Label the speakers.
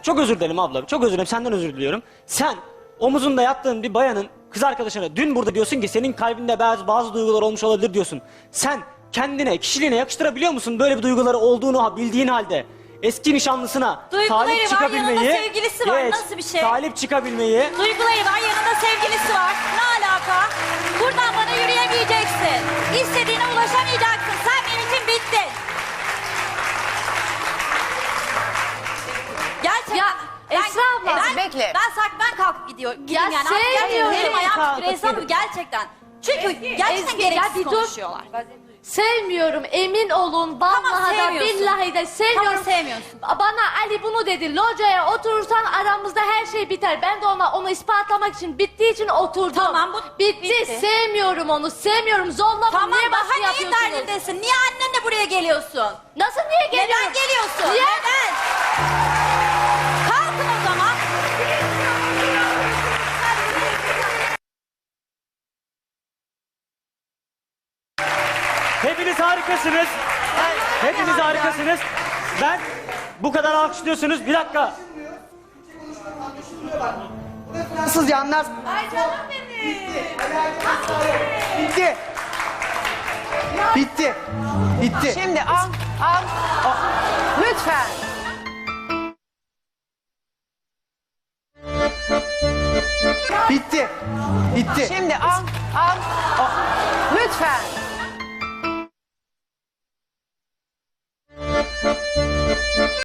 Speaker 1: çok özür dilerim abla. Çok özür dilerim. Senden özür diliyorum. Sen omuzunda yattığın bir bayanın kız arkadaşına dün burada diyorsun ki senin kalbinde bazı duygular olmuş olabilir diyorsun. Sen kendine, kişiliğine yakıştırabiliyor musun böyle bir duyguları olduğunu bildiğin halde? Eski nişanlısına
Speaker 2: Duyguları
Speaker 1: talip
Speaker 2: var,
Speaker 1: çıkabilmeyi...
Speaker 2: yanında sevgilisi var. Nasıl bir şey?
Speaker 1: Talip çıkabilmeyi...
Speaker 2: Duyguları var, yanında sevgilisi var. Ne alaka? Buradan bana yürüyemeyeceksin. İstediğine ulaşamayacaksın. Sen benim için bittin. Gerçekten.
Speaker 3: Ya, Esra abla,
Speaker 4: bekle.
Speaker 2: Ben kalkıp gideyim
Speaker 3: Ya,
Speaker 2: yani. Artık
Speaker 3: sevmiyorum.
Speaker 2: Benim ayağım
Speaker 1: Kalk,
Speaker 2: titriyor Esra abla, gerçekten. Çünkü gerçekten
Speaker 3: Ezgi, ya
Speaker 2: gereksiz
Speaker 3: bir dur.
Speaker 2: konuşuyorlar.
Speaker 3: Sevmiyorum, emin olun. Vallahi da
Speaker 2: sevmiyorsun.
Speaker 3: billahi de sevmiyorum.
Speaker 2: Tamam, sevmiyorsun.
Speaker 3: Bana Ali bunu dedi. Locaya oturursan aramızda her şey biter. Ben de onu ispatlamak için, bittiği için oturdum.
Speaker 2: Tamam, bu bitti.
Speaker 3: Sevmiyorum onu. Sevmiyorum. Zorlama.
Speaker 2: Tamam,
Speaker 3: Niye baskı
Speaker 2: daha neyin
Speaker 3: yapıyorsunuz?
Speaker 2: derdindesin? Niye annenle buraya geliyorsun?
Speaker 3: Nasıl niye geliyorum?
Speaker 2: Neden geliyorsun?
Speaker 3: Niye?
Speaker 2: Neden? Kalkın o zaman.
Speaker 1: Hepiniz harikasınız. Hepiniz harikasınız. Ben bu kadar alkışlıyorsunuz. Bir dakika.
Speaker 5: Nasıl yanlar?
Speaker 2: Ay canım benim.
Speaker 5: Bitti. Bitti. Bitti.
Speaker 4: Şimdi al. Lütfen.
Speaker 5: Bitti. Bitti.
Speaker 4: Şimdi al. Lütfen.